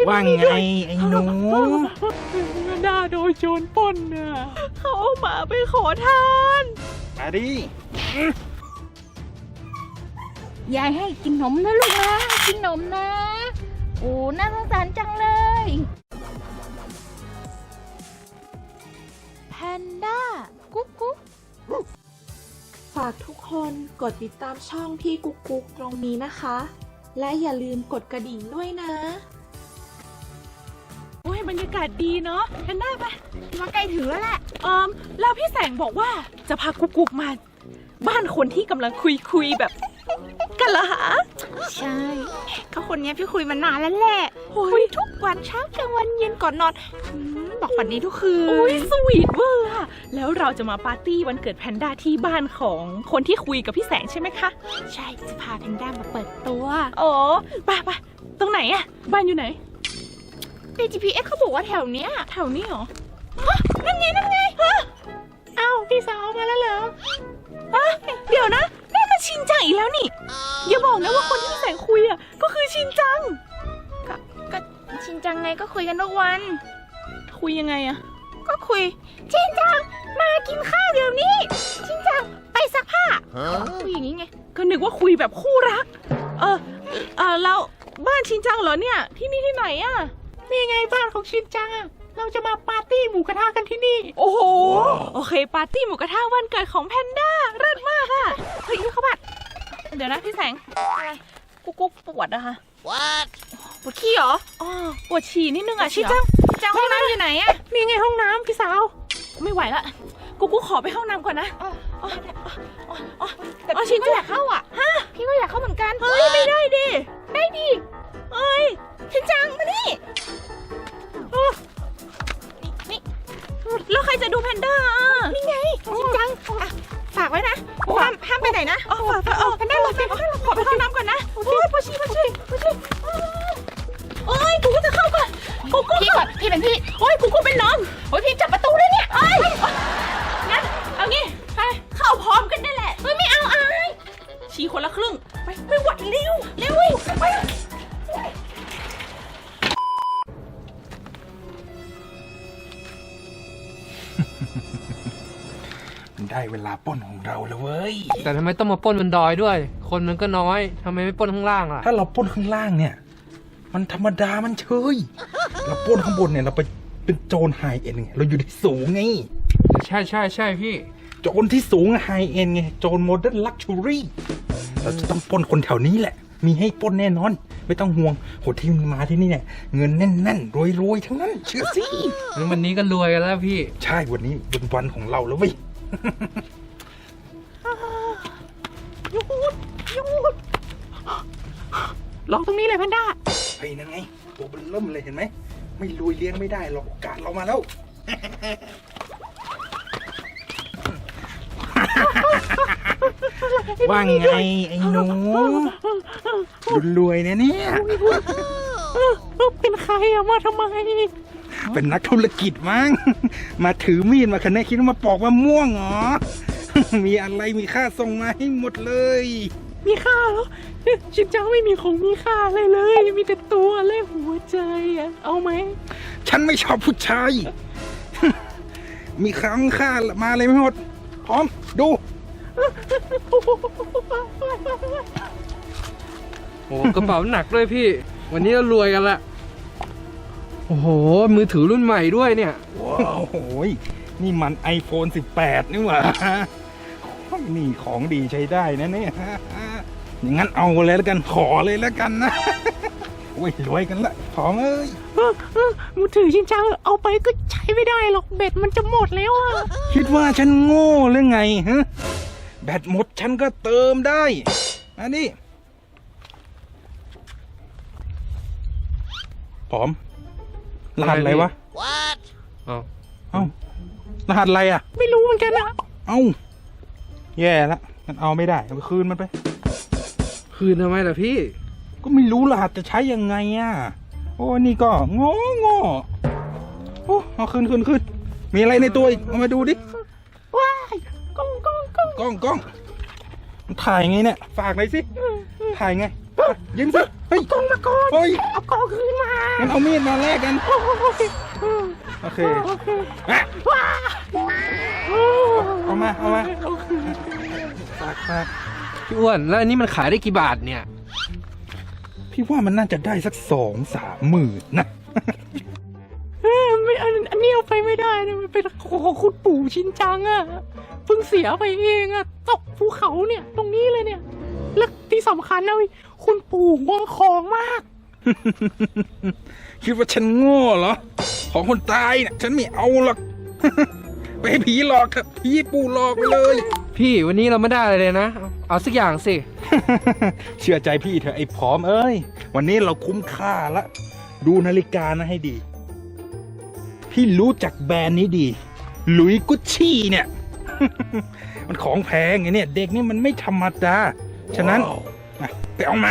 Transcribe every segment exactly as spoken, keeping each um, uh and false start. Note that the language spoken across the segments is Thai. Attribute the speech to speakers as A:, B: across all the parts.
A: ว่าไงไอ้หนู
B: ด่าโดนโจรปล้นน่ะเขาเอาหมาไปขอทาน
A: มาดิ
C: ยายให้กินนมนะลูกนะกินนมนะโอ้น่าสงสารจังเลยแพนด้ากุ๊กกุ๊ก
D: ฝากทุกคนกดติดตามช่องพี่กุ๊กกุ๊กตรงนี้นะคะและอย่าลืมกดกระดิ่งด้วยนะ
B: โอ้ยบรรยากาศดีเนาะแพนด้าไปมาใกล้ถึงแล้วแหละเอิมแล้วพี่แสงบอกว่าจะพากุ๊กกุ๊กมาบ้านคนที่กำลังคุยคุยแบบกันเหรอคะ
C: ใช่เขาคนนี้พี่คุยมานานแล้วแหละคุยทุกวันเช้ากลางวันเย็นก่อนนอนบอกฝันนี้ทุกคืน
B: โอ้ยสวีทเวอร์อะแล้วเราจะมาปาร์ตี้วันเกิดแพนด้าที่บ้านของคนที่คุยกับพี่แสงใช่ไหมคะ
C: ใช่จะพาแพนด้ามาเปิดตัว
B: โอ้ไปไปตรงไหนอะบ้านอยู่ไหน
C: ใน จี พี เอส เขาบอกว่าแถวเนี้ย
B: แถวนี้เหรอ
C: นั่นไงนั่นไง
B: อ้าวพี่สาวมาแล้วเหรออะเดี๋ยวนะนี่มันชินจังอีกแล้วนี่อย่าบอกนะว่าคนที่พี่แสงคุยอะก็คือชินจัง
C: ก็ก็ชินจังไงก็คุยกันทุกวัน
B: คุยยังไงอะ
C: ก็คุยชินจังมากินข้าวเดี๋ยวนี้ชินจังไปซักผ้าคุยอย่างนี้ไง
B: ก็นึกว่าคุยแบบคู่รักเออเออแล้วบ้านชินจังเหรอเนี่ยที่นี่ที่ไหนอะนี่ไงบ้านของชินจังอะเราจะมาปาร์ตี้หมูกระทะกันที่นี่โอ้โหโอเคปาร์ตี้หมูกระทะวันเกิดของแพนด้าเลิศมากอะเฮ้ยเขาบัดเดี๋ยวนะพี่แสงอะไรกุ๊กกุ๊กปวดนะคะ
C: What ปวดขี้เหรอ
B: อ๋อปวดฉี่นิดนึงอะชิน
C: จังจังห้องน้ำอยู่ไหนอะ
B: นี่ไงห้องน้ำพี่สาวไม่ไหวละกุ๊กกุ๊กขอไปห้องน้ำก่อนนะอ๋ออ๋อ
C: อ๋อแต่พี่ก็อยากเข้าอ่ะฮะพี่ก็อยากเข้าเหมือนกัน
B: เฮ้ยไม่ได้ดิ
C: ได้ดิ
B: เอ้ย
C: ชินจังมานี่
B: นี่แล้วใครจะดูแพนด้า
C: นี่ไงชินจังฝากไว้นะห้ามห้ามไปไหนนะ
B: อ๋อฝากเออแพนด้าเราไปขอไปห้องน้ำก่อนนะโอ้ยปวดฉี่ปวดฉี่ปวดฉี่โอ้ยกูก็จะเข้าก่อนกูกู
C: พี่ก่อนพี่เป็นพี่
B: โอ้ยกูกูเป็นน้อง
C: โอ้ยพี่จับประตูเลยเนี่ย
B: เอ้ยงั้นเอางี้ไปเข้าพร้อมกันได้แหละ
C: เฮ้ยไม่เอาอาย
B: ฉี่คนละครึ่งไปไม่ไหวเร็วเร็วไป
A: ได้เวลาปล้นของเราแล้วเว้ย
E: แต่ทำไมต้องมาปล้นบนดอยด้วยคนมันก็น้อยทำไมไม่ปล้นข้างล่างล่ะ
A: ถ้าเราปล้นข้างล่างเนี่ยมันธรรมดามันเฉยเราปล้นข้างบนเนี่ยเราไปเป็นโจรไฮเอ็นไงเราอยู่ที่สูงไง
E: ใช่ใช่ใช่พี่
A: โจรที่สูงไฮเอ็นไงโจรโมเดิร์นลักชัวรี่เราจะต้องปล้นคนแถวนี้แหละมีให้ปล้นแน่นอนไม่ต้องห่วงโหที่มาที่นี่เนี่ยเงินแน่นๆรวยๆทั้งนั้นเชื่อสิ
E: วันนี้ก็รวยกันแล้วพี่
A: ใช่วันนี้เป็นวันของเราแล้วเว้ย
B: หยุดหยุดลองตรงนี้เลยแพนด้า
A: เฮ้ยนั่นไงตัวเบิ่มเลยเห็นไหมไม่รวยเลี้ยงไม่ได้หรอกโอกาสเรามาแล้วว่าไงไอ้หนูรวยเนี่ยเนี่ย
B: เป็นใครอะมาทำไม
A: เป็นนักธุรกิจมั้งมาถือมีดมาคะแนนคิดว่ามาปอกมะม่วงเหรอมีอะไรมีค่าส่งมาให้หมดเลย
B: มีค่าเหรอชินจังไม่มีของมีค่าอะไรเลยมีแต่ตัวและหัวใจอะเอาไหม
A: ฉันไม่ชอบผู้ชายมีครั้งค่ามาอะไรไม่หมดพร้อมดู
E: โอ้กระเป๋าหนักด้วยพี่วันนี้เรารวยกันละโอ้โหมือถือรุ่นใหม่ด้วยเนี่ย
A: ว้าวโอ้ยนี่มัน ไอโฟน สิบแปด นี่หว่านี่ของดีใช้ได้นะเนี่ยอย่างนั้นเอาเลยแล้วกันขอเลยแล้วกันนะโอ้ยรวยกันละของเอ้ย
B: มือถือชินจังเอาไปก็ใช้ไม่ได้หรอกแบตมันจะหมดแล้วอ่ะ
A: คิดว่าฉันโง่หรือไงฮะแบตหมดฉันก็เติมได้อันนี้พร้อมรหัสอะไรวะ
E: What เอ้า
A: เอ้ารหัสอะไรอ่ะ
B: ไม่รู้เหมือนกันนะ
A: เอ้าแย่ละมันเอาไม่ได้เอาไปคืนมันไป
E: คืนทำไมล่ะพี่
A: ก็ไม่รู้รหัสจะใช้ยังไงอ่ะโอ้นี่ก็งงงโอ้เอาคืนคืนคืนมีอะไรในตัวอีกเอามาดูดิ
B: ว้ายกล้องกล้องกล้อง
A: กล้องกล้องถ่ายไงเนี่ยฝากหน่อยสิถ่ายไงยิงสิเฮ้ยกองมาก่อนเฮ้ย
B: เอากองคืนมา
A: งั้นเอามีดมาแลกกัน
B: โอเค
A: โอเค
B: โอเค
A: อ่ะ
B: ว้า
A: เอามาเอามาฝากฝาก
E: พี่อ้วนแล้วอันนี้มันขายได้กี่บาทเนี่ย
A: พี่ว่ามันน่าจะได้สักสองสามหมื่นนะ
B: เอ้ยไม่อันอันนี้เอาไปไม่ได้นะมันเป็นของคุณปู่ชินจังอะเพิ่งเสียไปเองอะตกภูเขาเนี่ยตรงนี้เลยเนี่ยและที่สำคัญนะเว้ยคุณปู่ห่วงของมาก
A: คิดว่าฉันโง่เหรอ ของคนตายเนี่ยฉันไม่เอาหรอก ไปให้ผีหลอกเถอะผีปู่หลอกไปเลย
E: พี่วันนี้เราไม่ได้อะไรเลยนะ เอาเอาสักอย่างสิ
A: เชื่อใจพี่เถอะไอ้ผอมเอ้ย วันนี้เราคุ้มค่าละ ดูนาฬิกานะให้ดี พี่รู้จักแบรนด์นี้ดี หลุยกุชชี่เนี่ย มันของแพงไงเนี่ย เด็กนี่มันไม่ธรรมดา ฉะนั้นมาไปเอามา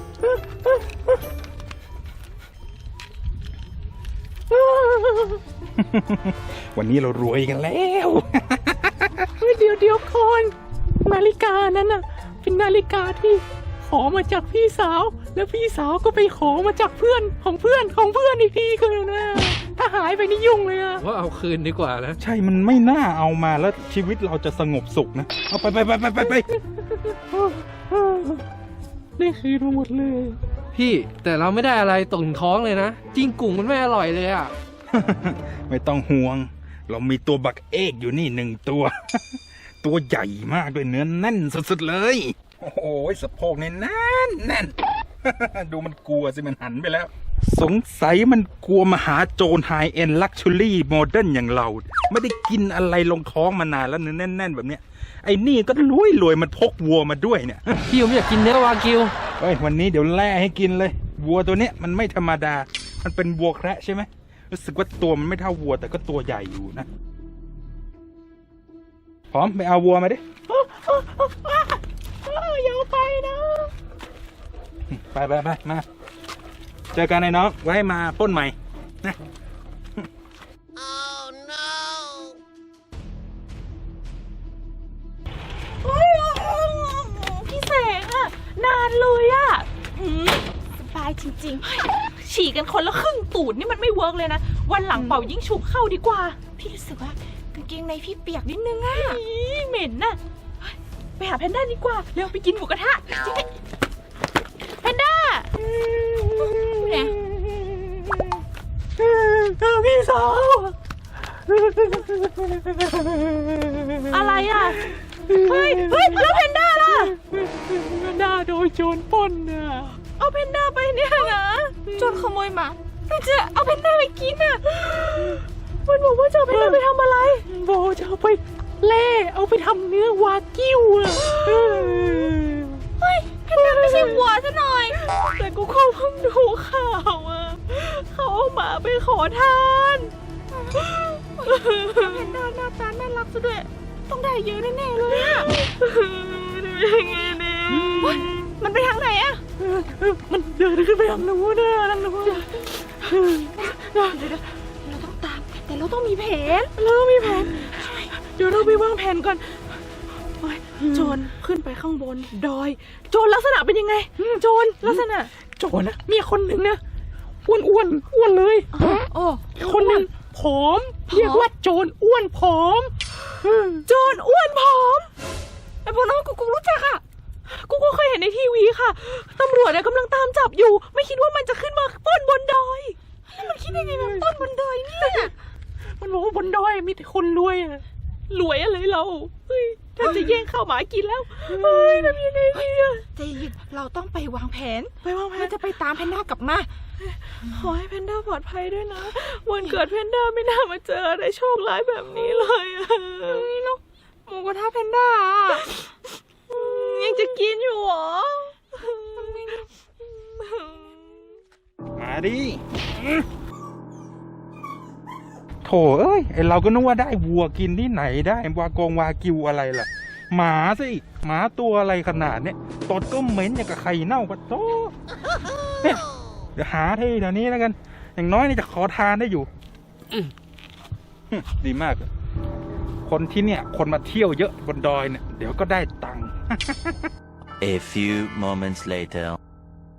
A: วันนี้เรารวยกันแล้ว
B: เฮ้ยเดี๋ยวเดี๋ยวก่อนนาฬิกานั้นน่ะเป็นนาฬิกาที่ขอมาจากพี่สาว แล้วพี่สาวก็ไปขอมาจากเพื่อนของเพื่อนของเพื่อนอีกทีก็เลยนะถ้าหายไปนี่ยุ่งเลยอะ
E: ว่าเอาคืนดีกว่านะ
A: ใช่ มันไม่น่าเอามาแล้วชีวิตเราจะสงบสุขนะ เอาไปไปไปไปไปไป
B: ได้คืนมาหมดเลย
E: พี่แต่เราไม่ได้อะไรตกถึงท้องเลยนะจริงกุ่งมันไม่อร่อยเลยอ่ะ
A: ไม่ต้องห่วง เรามีตัวบักเอกอยู่นี่หนึ่งตัว ตัวใหญ่มากด้วยเนื้อแน่นสุดๆเลย โอ้โหสะโพกเนี่ยแน่นแน่น ดูมันกลัวสิมันหันไปแล้ว สงสัยมันกลัวมหาโจรไฮเอ็นลักชัวรี่โมเดิร์นอย่างเรา ไม่ได้กินอะไรลงท้องมานานแล้วเนื้อแน่นๆแบบเนี้ยไอ้นี่ก็รวยรวยๆมันพกวัวมาด้วยเนี่ย
E: พี่ผมอยากกินเนื้อวากิว
A: เฮ้ยวันนี้เดี๋ยวแล่ให้กินเลย วัวตัวเนี้ยมันไม่ธรรมดา มันเป็นวัวแคระใช่ไหมรู้สึกว่าตัวมันไม่เท่าวัวแต่ก็ตัวใหญ่อยู่นะ พร้อมไปเอาวัวมาดิ
B: อย่าไปนะ
A: ไปไปไปมา เจอกันไอ้น้อง ไว้มาปล้นใหม่นะ
C: พี่แสงอะนานเลยอะหืมสบายจริงๆ ฉี่กันคนละครึ่งตูดนี่มันไม่เวิร์กเลยนะ วันหลังเป่ายิ่งฉุบเข้าดีกว่า พี่รู้สึกว่ากางเกงในพี่เปียกนิดนึงอะเหม็นน่ะเฮ้ยไปหาแพนด้าดีกว่าเร็วไปกินหมูกระทะจริงๆแพนด้าเนี่ย
B: พี่สาว
C: อะไรอะเฮ้ยเฮ้ยแล้วแพนด้าล่ะ
B: แพนด้าโดนโจรปล้นน่ะ
C: เอาแพนด้าไปเนี่ยนะโจรขโมยมาพี่จะเอาแพนด้าไปกินอ่ะมันบอกว่าจะเอาแพนด้าไปทำอะไร
B: โบจะเอาไปเล่เอาไปทำเนื้อวากิวอ่ะ
C: เฮ้ยแพนด้าไม่ใช่วัวซะหน่อย แต่กูก็เพิ่งดูข่าวอ่ะเขาเอาหมาไปขอทานแพนด้าหน้าตาน่ารักซะด้วยต้องได้เยอะแน่ๆเลยอ่ะยังไงดีมันไปทางไหนอ่ะ
B: มันเดินขึ้นไปทางนู้นนะทางนู้น
C: เราต้องตามแต่เราต้องมีแผน
B: เราต้องมีแผนเดี๋ยวเราไปวางแผนก่อนโอ๊ยโจรขึ้นไปข้างบนดอย โจรลักษณะเป็นยังไง โจรลักษณะ โจรนะมีคนหนึ่งนะอ้วนอ้วนอ้วนเลย
C: โอ้
B: คนหนึ่งผอม เรียกว่าโจรอ้วนผอม โจรอ้วนผอม
C: ไอ้พวกนั้นกูกูรู้จักอ่ะ
B: กูก็เคยเห็นในทีวีค่ะ ตำรวจเนี่ยกำลังตามจับอยู่ ไม่คิดว่ามันจะขึ้นมาปล้นบนดอย
C: แล้วมันคิดยังไงแบบต้นบนดอยเนี่ย
B: มันบอกว่าบนดอยมีแต่คนรวยอะรวยอะไรเราเฮ้ยถ้าจะแย่งข้าวหมากินแล้วเฮ้ยทำยังไงดีอะ
C: ใจเย็นเราต้องไปวางแผน
B: ไปวางแผ
C: เพื่อน จะไปตามแพนด้ากลับมา
B: ขอให้แพนด้าปลอดภัยด้วยนะ วันเกิดแพนด้าไม่น่ามาเจออะไรโชคร้ายแบบนี้เลยอะ
C: นี่เนาะหมูกระทะแพนด้าอะ
B: ยังจะกินอยู่เหรอ
A: มาดิโถเอ้ยไอเราก็นึกว่าได้วัวกินที่ไหนได้วากงวากิวอะไรล่ะ หมาสิหมาตัวอะไรขนาดเนี้ยตดก็เหม็นอย่างกับไข่เน่าปะโถเนี่ยเดี๋ยวหาที่เดี๋ยวนี้แล้วกัน อย่างน้อยนี่จะขอทานได้อยู่อืมดีมากเลยคนที่เนี่ย คนมาเที่ยวเยอะบนดอยเนี่ย เดี๋ยวก็ได้ตังค์
F: A few moments later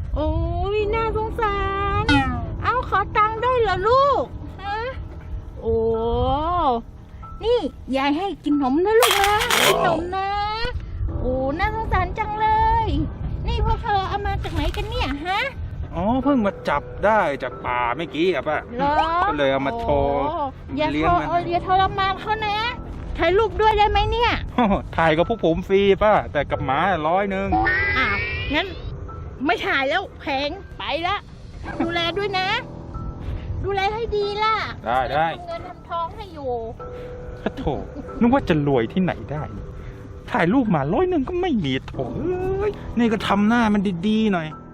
C: โอ้ยน่าสงสาร เอาขอตังค์ได้เหรอลูกฮะโอ้นี่ยายให้กินนมนะลูกนะกินนมนะ โอ้น่าสงสารจังเลย นี่พวกเธอเอามาจากไหนกันเนี่ยฮะ
A: อ๋อเพิ่งมาจับได้จากป่าเมื่อกี้อะป้า
C: เหรอ
A: ก็เลยเอามาโทร
C: โอ้อย่า
A: เลี้
C: โท
A: ยง
C: ร
A: มัน
C: เอออย่าทรมานเขานะถ่ายรูปด้วยได้ไหมเนี่ย
A: โอ้โหถ่ายกับพวกผมฟรีป้าแต่กับหมาร้อยหนึ่ง
C: อ้าวงั้นไม่ถ่ายแล้วแพงไปละดูแลด้วยนะ ดูแลให้ดีล่ะ
A: ได้ได้
C: ทำเงินทำทองให้อยู่
A: พระโถนึกว่าจะรวยที่ไหนได้ ถ่ายรูปหมาร้อยหนึ่งก็ไม่มีโถเอ้ยนี่ก็ทำหน้ามันดีๆหน่อย